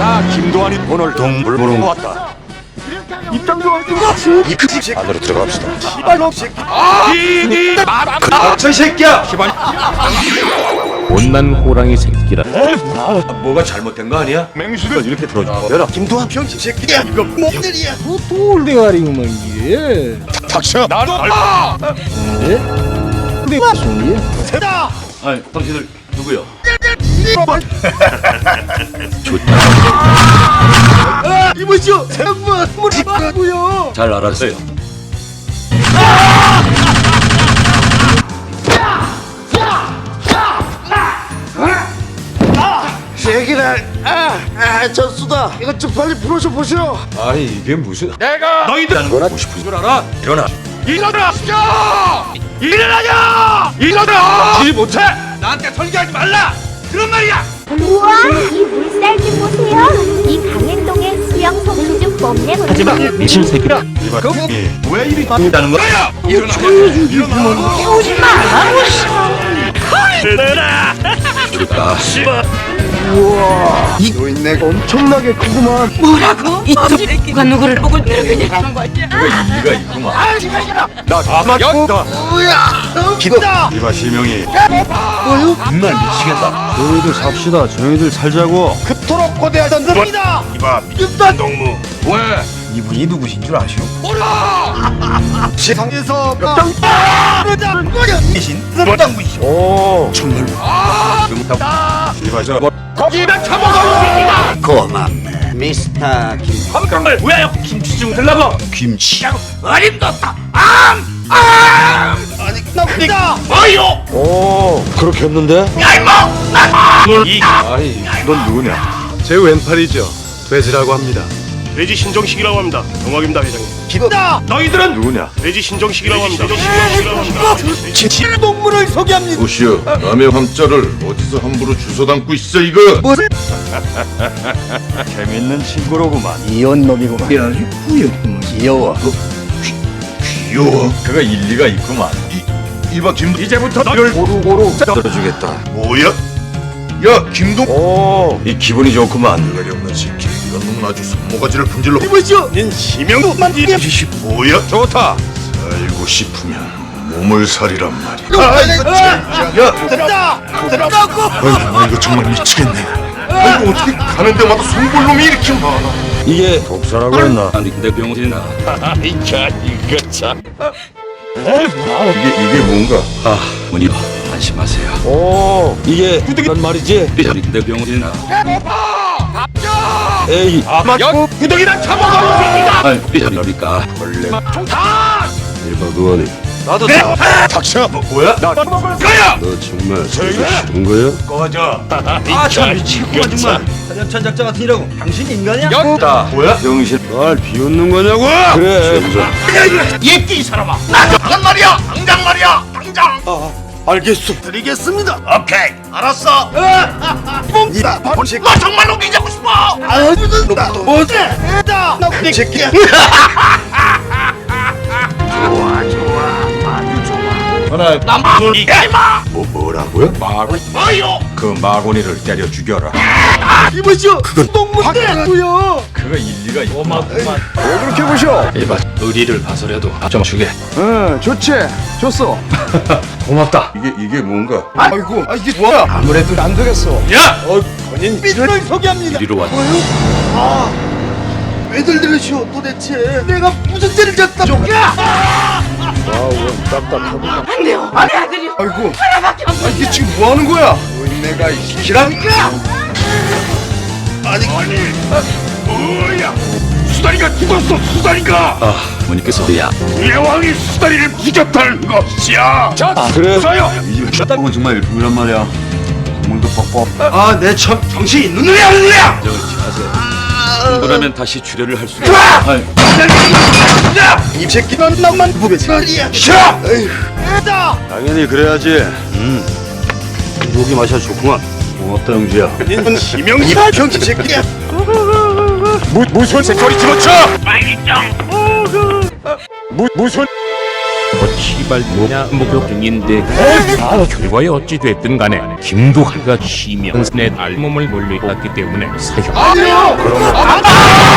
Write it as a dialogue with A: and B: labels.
A: 김도환이 오늘 동물 보러 왔다.
B: 입장료 없는
A: 이 새끼 안으로 들어갑시다.
B: 씨발놈 새끼.
A: 저 새끼야.
C: 못난 호랑이 새끼라.
A: 뭐가 잘못된 거 아니야? 맹수를 이렇게 들어줘. 열어. 김도환 병신 새끼야. 이거 뭔일이야?
B: 돌대가리구만 이게.
A: 닥쳐. 나는
B: 네? 내가 손이.
A: 세다. 아니 당신들 누구요?
B: 이보시오. 세번 물이고요.
A: 잘 알았어요.
B: 새끼들. 졌수다. 이것 좀 빨리 풀어줘 보시오.
A: 아니 이게 무슨? 내가 너희들 하는 거나 보고 싶은 줄 알아? 일어나. 일어나. 일어나냐! 일어나! 지 못해. 나한테 설계하지 말라. 그런 말이야.
D: 우와, 이 물살 좀 보세요. 이 강행동의 수영 솜씨 좀 뽐내 보세요.
C: 하지만 미친 새끼라.
A: 왜 이리 다는 거야? 일어나.
D: 깨우지 마.
A: 그러니까.
B: 이 노인네가 엄청나게 크구만.
E: 누가 누구를 보고 이렇게 하는 거야?
A: 네가 있구만. 나 맞다.
B: 기다.
A: 이봐 시명이.
B: 뭐요?
A: 정말 미치겠다.
C: 저희들 삽시다. 저희들 살자고.
B: 그토록 거대하던 놈이다.
A: 이봐 미쳤다 동무. 왜?
C: 이분이 누구신 줄 아시오?
B: 세상에서
A: 미신 습당무이시.
C: 오.
A: 정말. 이봐 저 거기다 처먹어.
B: 고맙네. 미스터 김.
A: 한강을 왜 김치 좀 들라고? 김치. 어림도다.
B: 아니 나쁘다.
A: 뭐요?
C: 오. 그렇게 했는데?
A: 아이 넌 누구냐?
F: 제 왼팔이죠. 돼지라고 합니다.
G: 돼지 신정식이라고 합니다. 영광입니다, 회장님.
B: 기다.
A: 너희들은 누구냐?
G: 돼지 신정식이라고 합니다.
B: 진실 동물을 소개합니다.
H: 보시오, 남의 함자를 어디서 함부로 주워 담고 있어 이거?
A: 재밌는 친구로구만.
B: 이혼 놈이구만. 귀여워.
H: 귀여워.
A: 그가 일리가 있구만.
H: 이봐 김
A: 이제부터 너를 고루고루 들어주겠다.
H: 뭐야? 야 김동.
A: 오, 이 기분이 좋구만.
H: 대가리 없는 새끼. 이런 놈 아주 손모가지를 분질러.
B: 이보시오.
G: 닌 지명도 만지게
H: 이씨 뭐야?
A: 좋다.
H: 살고 싶으면 몸을 살이란 말이야.
B: 들었다. 들었다고.
H: 아이고 이거 정말 미치겠네. 아이고 어떻게 가는 데마다 손볼놈이 이렇게 많아?
A: 이게 독사라고 했나? 아니 내 병신아.
H: 이게 뭔가?
A: 아, 문이 안심하세요. 오, 이게 구덩이란 말이지? 내 병신아. 에이, 맞고 구덩이란 처먹어. 아니, 삐져니까 원래.
H: 일박 의원이
A: 나도
H: 닥쳐. 뭐야?
A: 나 먹을 거야.
H: 너 정말 싫은 거야?
A: 꺼져. 참 미치겠구만 정말. 사전천 작자 같은 이라고. 당신 인간이야? 였다.
H: 뭐야?
A: 병신.
H: 날 비웃는 거냐고?
A: 그래.
G: 예끼 이 사람아. 당장 말이야. 당장 말이야. 당장.
A: 알겠어.
G: 드리겠습니다. 오케이. 알았어.
B: 이다. 본색.
G: 너 정말 웃기자고 싶어.
B: 아유다. 뭐지? 나 새끼야.
A: 하나
G: 남을 이마.
H: 뭐라고요?
G: 뭐요?
A: 그 마고니를 때려 죽여라.
B: 이보시오. 그건 동물이고요.
A: 그가 일리가 있구만.
B: 왜 그렇게 보셔?
C: 일반 의리를 봐서라도 좀 주게.
B: 응, 좋지. 줬어.
C: 고맙다.
H: 이게 뭔가?
B: 아이고, 이게 뭐야? 아무래도 안 되겠어.
A: 야!
B: 본인 삐를 소개합니다.
C: 이리로 왔다.
B: 왜들 들으시오 도대체? 내가 무슨 죄를 졌다.
E: 안 돼요. 안 돼, 아들이.
B: 아이고,
E: 하나밖에 없어.
B: 이게 지금 뭐 하는 거야? 내가 시키라니까. 아니,
G: 뭐야? 수다리가 죽었어. 수다리가.
C: 아, 어머니께서 야.
G: 예왕이 수다리를 부셨다는 것이야. 자,
A: 그래.
G: 서요.
A: 은 정말 일품이란 말이야. 국물도 뻑뻑.
G: 아, 내 참 정신이 있는 놈이야, 없는 놈이야.
C: 그러면 다시 출혈을 할 수 있어.
B: 이 새끼는 나만 부배지. 말이야.
G: 싫어.
B: 애다.
A: 당연히 그래야지. 목이 마셔 좋구만. 고맙다 영주야.
G: 닌 지명이
B: 병신 새끼야.
A: 무슨 새소리 집어쳐?
G: 빨리짱.
A: 무슨?
I: 시발 뭐냐 목격 중인데 결과에 어찌 됐든 간에 김두한과 시명의 알몸을 물리했기 때문에 사형.
G: 아니요! 그러면